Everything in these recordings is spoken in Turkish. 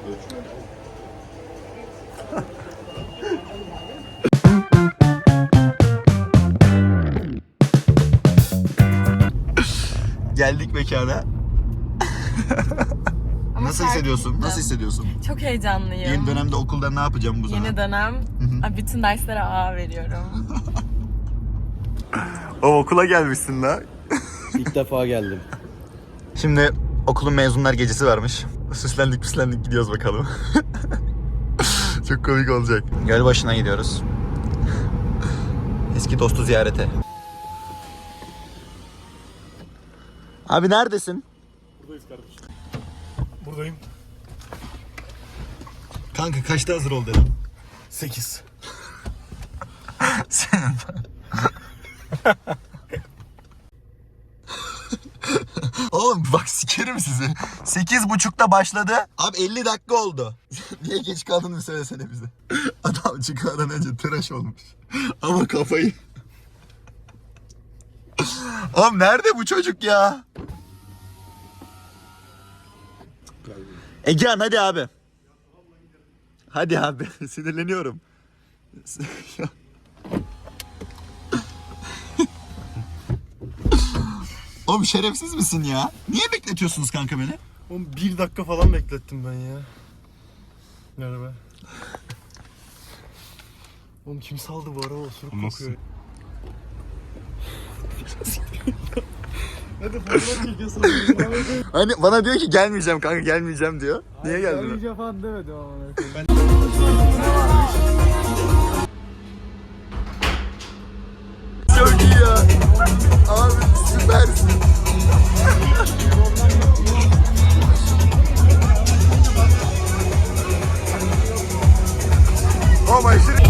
Geldik mekana. Nasıl hissediyorsun? Nasıl hissediyorsun? Çok heyecanlıyım. Yeni dönemde okulda ne yapacağım bu zaman? Yeni dönem. Bütün derslere A veriyorum. O okula gelmişsin la. İlk defa geldim. Şimdi okulun mezunlar gecesi varmış. Süslendik gidiyoruz bakalım. Çok komik olacak. Gölbaşı'na gidiyoruz. Eski dostu ziyarete. Abi neredesin? Buradayız kardeşim. Buradayım. Kanka kaçta hazır ol dedim. 8. Senin. Oğlum bak sikerim sizi. 8.30'da başladı. Abi 50 dakika oldu. Niye geç kaldığını söylesene bize. Adam çıkardan önce tıraş olmuş. Ama kafayı... Oğlum nerede bu çocuk ya? Egehan hadi abi. Hadi abi sinirleniyorum. Oğlum şerefsiz misin ya? Niye bekletiyorsunuz kanka beni? Oğlum 1 dakika falan beklettim ben ya. Merhaba. Oğlum kim saldı bu araba? Osuruk kokuyor. Hadi fotoğraf çekiyorsun. Hani bana diyor ki gelmeyeceğim kanka gelmeyeceğim diyor. Niye geldin? Gelmeyeceğim falan demedim ama. Çok iyi ya. Abi süpersin. Oğlum aşırı...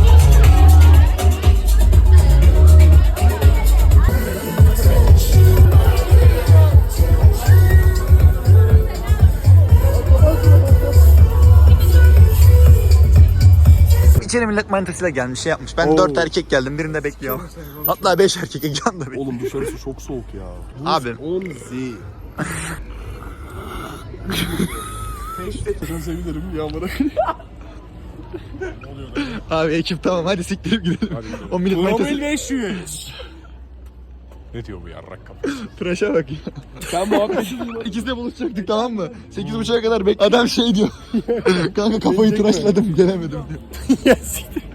İçeri millet manitasıyla gelmiş şey yapmış. Ben 4 erkek geldim birinde bekliyorum. Hatta 5 erkek Egehan da bekliyor. Oğlum dışarısı çok soğuk ya. Abi. 10 Sen sevinirim yağmura. Abi ekip tamam hadi siktirip gidelim. O millet manitası... 500. Ne diyor bu yarrak kafa? Tıraşa bak ya. Sen muhabbeti İkisi de buluşacaktık tamam mı? 8.30'a kadar bek... Adam şey diyor. Kanka kafayı tıraşladım gelemedim diyor. Ya siktir.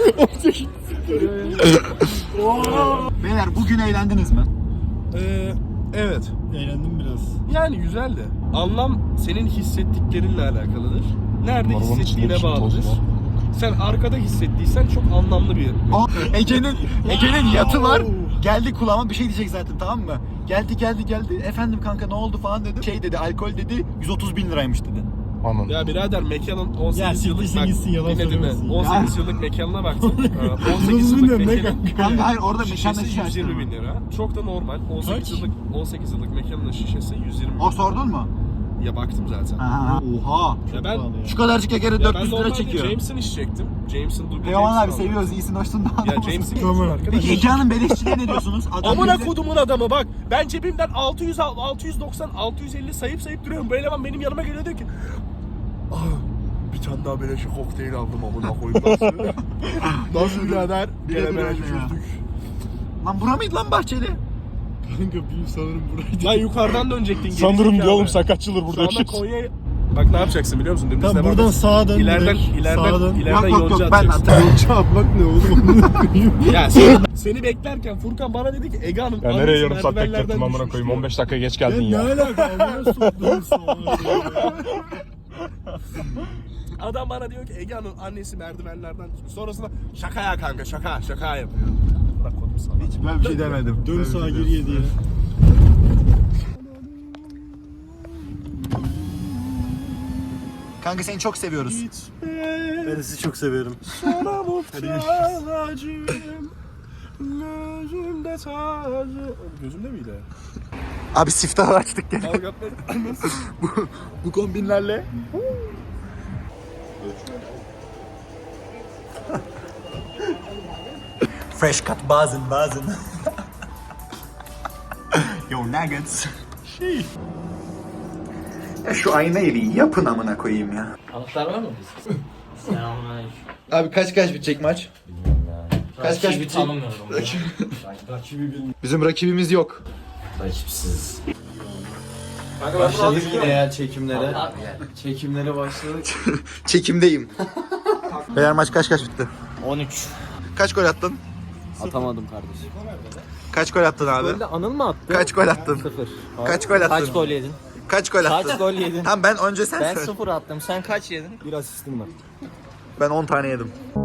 Beyler bugün eğlendiniz mi? Evet. Eğlendim biraz. Yani güzeldi. Anlam senin hissettiklerinle alakalıdır. Nerede hissettiğine bağlıdır. Sen arkada hissettiysen çok anlamlı bir... Ege'nin yatı var. Geldi kulağıma bir şey diyecek zaten tamam mı? Geldi. Efendim kanka ne oldu falan dedim. Şey dedi alkol dedi 130.000 liraymış dedi. Anladım. Ya birader mekanın 18 Ya yıllık... siktirsin gitsin, yalan dinle. söylemesin. 18 yıllık mekanına baktım. 18 yıllık mekanın... Kanka hayır orada mekanda Şişesi şişe 120 açtım. bin lira. Çok da normal. 18 yıllık mekanın şişesi 120 bin. O sordun mu? Ya baktım zaten. Oha. Ya ben Şu kadarcık ekeri ya ben 400 lira normalde çekiyor. James'in içecektim. James'in duble Teoman abi James'in seviyoruz iyisin hoşsun da Ya adamısın. James'in Tamam. arkadaş. Peki Egehan'ın beleşçiliğe ne diyorsunuz? Adam Amına bize- kodumun adamı bak. Ben cebimden 600, 690, 650 sayıp duruyorum. Bu eleman benim yanıma geliyor diyor ki bir tane daha beleşe kokteyl aldım amına koyayım nasıl? Nasıl birader? Bir kere beleşe çözdük. Lan bura mıydı lan Bahçeli? Kanka bir sanırım buraydı. Lan yukarıdan dönecektin. Sanırım gerizekalı. oğlum sen kaç yıldır burada Sonra yaşıyorsun? Konya'ya... Bak ne yapacaksın biliyor musun? Dümdüz Tamam devam buradan et. sağa dön. İleriden Yok yonca ben atacaksın. Çarpmak ne oğlum amına koyayım. Ya seni beklerken Furkan bana dedi ki Ege Hanım... Ya nereye yarım saat merdivenlerden beklettim amına düşmüş koyayım diyor. 15 dakika geç Ya geldin ne ya. alaka amına soktuğum sana. Adam bana diyor ki Ege Hanım annesi merdivenlerden düşmüş. Sonrasında şaka ya kanka şaka yapıyor. Bırak kodum sana. Hiç böyle bir şey demedim. Dön sağa geriye diye. Kanka seni çok seviyoruz. Ben de sizi çok severim. Sana muhtacım. Gözümde tacı. Gözümde miydi? Abi siftahı açtık gene. Kavga etmek. Bu kombinlerle. Fresh cut bazen. Yo nuggets. Şu aynayı bir yapın amına koyayım ya. Anahtar var mı biz? Selamünaleyküm. Abi kaç bitecek maç? Kaç Rakibi bitecek? tanımıyorum. Bizim rakibimiz yok. Rakipsiz. Başladık yine ya çekimlere. Çekimlere başladık. Çekimdeyim. Beyler maç kaç bitti? 13. Kaç gol attın? Atamadım kardeşim. Kaç gol attın abi? Böyle Anıl mı attı? Kaç gol attın? 0. Kaç gol attın? Kaç gol yedin? Kaç gol attın? Kaç gol yedin? Tamam ben önce sen Ben söyle. 0 attım. Sen kaç yedin? Bir asistim var. Ben 10 tane yedim.